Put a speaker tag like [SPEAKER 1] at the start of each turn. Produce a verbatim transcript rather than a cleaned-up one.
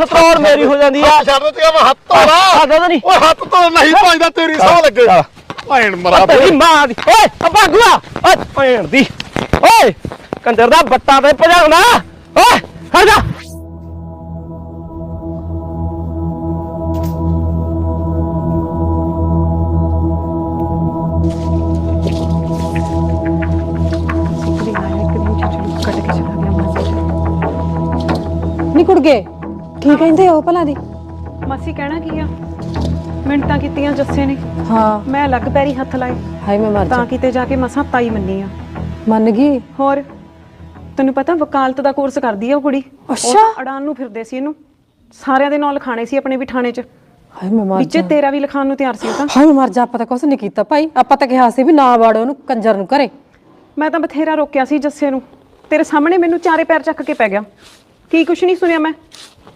[SPEAKER 1] ਸਤਰੋੜ ਮੇਰੀ ਹੋ ਜਾਂਦੀ ਆ।
[SPEAKER 2] ਛੱਡ ਤੇ ਮੈਂ ਹੱਥ ਧੋਣਾ
[SPEAKER 1] ਹੱਥ ਨਹੀਂ
[SPEAKER 2] ਓਏ ਹੱਥ ਤੋਂ ਨਹੀਂ ਭਾਂਦਾ ਤੇਰੀ ਸਾਹ ਲੱਗੇ ਭੈਣ ਮਰਾ
[SPEAKER 1] ਤੇਰੀ ਮਾਂ ਦੀ ਓਏ ਭਾਗੂਆ ਓਏ ਭੈਣ ਦੀ ਓਏ ਕੰਦਰ ਦਾ ਬੱਟਾ ਤੇ ਭਜਾਉਣਾ ਓਏ ਹਟ ਜਾ।
[SPEAKER 3] ਨੀ ਕੁੜਗੇ ਕੀ ਕਹਿੰਦੇ ਹੋ ਭਲਾ ਦੀ?
[SPEAKER 4] ਮਾਸੀ ਕਹਿਣਾ ਕੀ ਆ, ਮਿੰਟਾਂ ਕੀਤੀਆਂ ਜੱਸੇ ਨੇ,
[SPEAKER 3] ਹਾਂ
[SPEAKER 4] ਮੈਂ ਲੱਗ ਪੈਰੀ ਹੱਥ ਲਾਏ
[SPEAKER 3] ਹਾਏ ਮੈਂ ਮਰ
[SPEAKER 4] ਤਾਂ
[SPEAKER 3] ਜਾ।
[SPEAKER 4] ਕਿਤੇ ਜਾ ਕੇ ਮਸਾਂ ਤਾਈ ਮੰਨੀ ਆ।
[SPEAKER 3] ਮੰਨ ਗਈ?
[SPEAKER 4] ਹੋਰ ਤੈਨੂੰ ਪਤਾ ਵਕਾਲਤ ਦਾ ਕੋਰਸ ਕਰਦੀ ਆ ਉਹ ਕੁੜੀ।
[SPEAKER 3] ਅੱਛਾ।
[SPEAKER 4] ਅੜਾਨ ਨੂੰ ਫਿਰਦੇ ਸੀ ਇਹਨੂੰ, ਸਾਰਿਆਂ ਦੇ ਨਾਂ ਲਿਖਾਣੇ ਸੀ ਆਪਣੇ ਵੀ ਥਾਣੇ 'ਚ,
[SPEAKER 3] ਹਾਏ ਮੈਂ ਮਰ
[SPEAKER 4] ਵਿੱਚੇ
[SPEAKER 3] ਜਾ।
[SPEAKER 4] ਤੇਰਾ ਵੀ ਲਿਖਾਣ ਨੂੰ ਤਿਆਰ ਸੀ ਉਹ ਤਾਂ।
[SPEAKER 3] ਹਾਏ ਮੈਂ ਮਰ ਜਾ, ਆਪਾਂ ਤਾਂ ਕੁਛ ਨਹੀਂ ਕੀਤਾ ਭਾਈ, ਆਪਾਂ ਤਾਂ ਕਿਹਾ ਸੀ ਵੀ ਨਾ ਵਾੜੋ ਉਹਨੂੰ ਕੰਜਰ ਨੂੰ ਘਰੇ।
[SPEAKER 4] ਮੈਂ ਤਾਂ ਬਥੇਰਾ ਰੋਕਿਆ ਸੀ ਜੱਸੇ ਨੂੰ, ਤੇਰੇ ਸਾਹਮਣੇ ਮੈਨੂੰ ਚਾਰੇ ਪੈਰ ਚੱਕ ਕੇ ਪੈ ਗਿਆ। ਕੀ ਕੁਛ ਨਹੀਂ ਸੁਣਿਆ ਮੈਂ।